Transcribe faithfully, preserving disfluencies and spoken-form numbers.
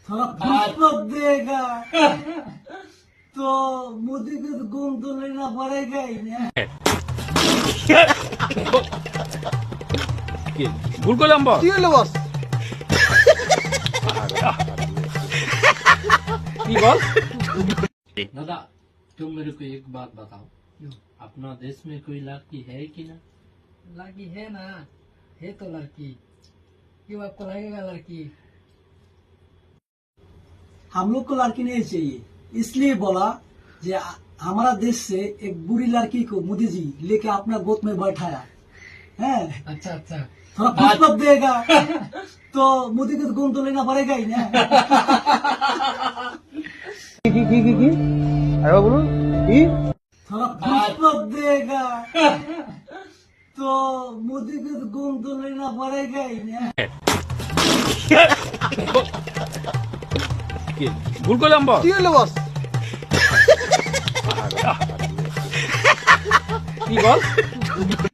थोड़ा पुष्पक देगा तो मोदी को तो घूम तो लेना पड़ेगा ही ना। ভুল করলাম বস। কি হলো বস? কি বল? दादा तुम मेरे को एक बात बताओ, अपना देश में कोई लड़की है कि ना? लड़की है ना, है तो लड़की। क्यों आपको लगेगा लड़की? हम लोग को लड़की नहीं चाहिए, इसलिए बोला कि हमारा देश से एक बुरी लड़की को मोदी जी लेके अपना गोद में बैठाया है। अच्छा अच्छा, थोड़ा पुष्पक देगा तो मोदी को तो घूम तो लेना पड़ेगा ही ना। কি কি কি কি কি আরে বলুন কি थोड़ा पुष्पक देगा तो मोदी को तो घूम तो लेना पड़ेगा ही ना। ভুল করলাম বস। কি হলো বস? কি বল?